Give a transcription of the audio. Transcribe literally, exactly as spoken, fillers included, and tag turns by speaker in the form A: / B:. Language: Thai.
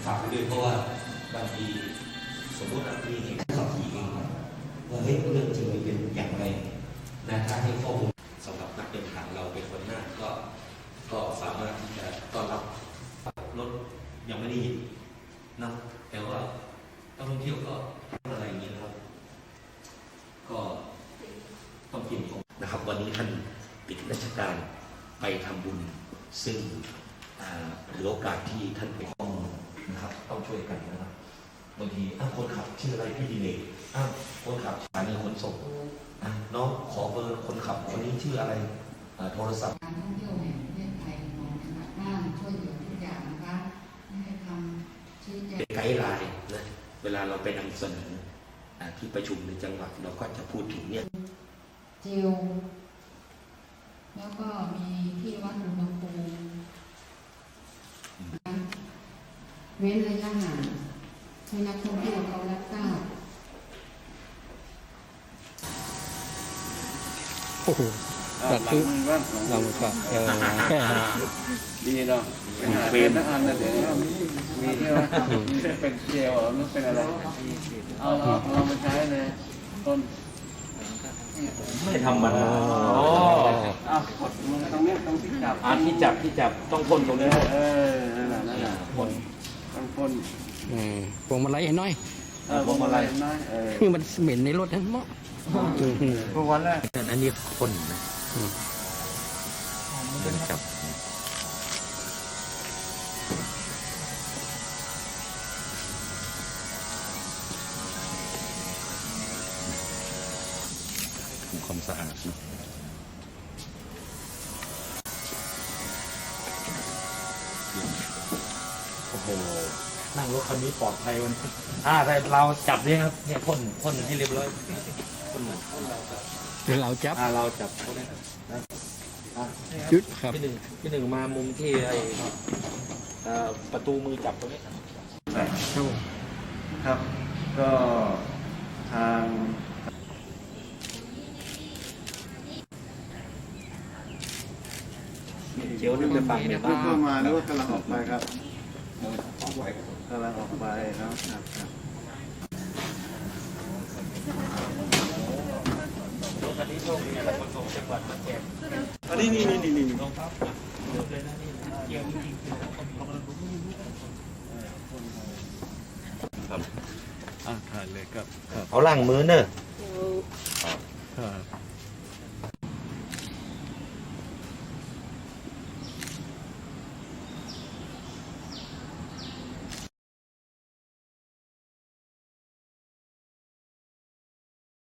A: ฝากไปด้วยเพราะว่าบางทีสมมติมีเหตุขับขี่เองว่าเฮ้ยเรื่องจริงมันเป็นอย่างไรนะถ้าให้ข้อมูลสำหรับนักเดินทางเราเป็นคนหน้าก็ก็สามารถที่จะต้อนรับรถยังไม่ได้ยินนะแต่ว่านักท่องเที่ยวก็อะไรอย่างนี้นะครับก็ต้องเตรียมตัวนะครับวันนี้ท่านปิดราชการไปทำบุญซึ่งหรือโอกาสที่ท่านไปข้อมูลนะครับต้องช่วยกันนะครับบางทีอ้าวคนขับชื่ออะไรพี่ดิเลกอ้าวคนขับสถานีขนส่งน้องขอเบอร์คนขับคนนี้ชื่ออะไรโทรศัพท์
B: การท่องเที่ยวแห่งประเทศไทยของจังหวัดน่านช่วยเหลือทุกอย่างนะคะให้ทำชี้แจง
A: ไกด์ไลน์นะเวลาเราไปนำเสนอที่ประชุมในจังหวัดเราก็จะพูดถึงเนี่ย
B: เจลแล้วก็มีที่วัดอุณหภูมิเว้นระยะห่างให้นักท่องเที่ยวเขารับทราบ
C: โอ้โหตัดคือเราก็เออ
D: ดีเนาะเป็นนักอันนะเดี๋ยวมีใช่ไหมเป็นเจลหรือเป็นอะไรเอาเรามาใช้เลยต้น
A: ไม่ทำมัน
D: อ๋อเอากดมือตรงนี้ตรงที่จับ
A: อ่าที่จับที่จับต้องพ่นตรงนี้
D: เออนั่นแหละนั่นแหละพ่นต้องพ่น
C: อืมพวงมาลัยให้น้อย
D: เออพวงมาลัยน้อยเออ
C: คือมันเหม็นในรถทั้งหมด
D: พวกวันแรก
A: อันนี้พ่นนะมันจับความสะอาดนะโอ้โหนั่งรถคันนี้ปลอดภัยวันอ่าแต่เราจับเนี่ยครับเนี่ยพ่นพ่นให้เรียบร้อยพ่นเหมือน
C: เราจับ
A: อ่าเราจับ
C: จุดครับ
A: พี่หนึ่งพี่หนึ่งมามุมที่ไอ้ประตูมือจับตรงนี้
D: ครับก็ทาง
A: เจียวนี่เป็นฝั่งเมียนมา
D: เข้ามาหรือว่ากำลังออกไปครับกำลังออกไปนะครับครับ
A: อันนี้โชคดีอะไรคนส่งจังหวัดมาแจก
D: อันนี้นี่นี่นี่นี่
A: ครับเลยนะนี่เจียวจริงๆครับ
D: อ่าถ่ายเลยครับ
A: เขาล้างมือเนอะ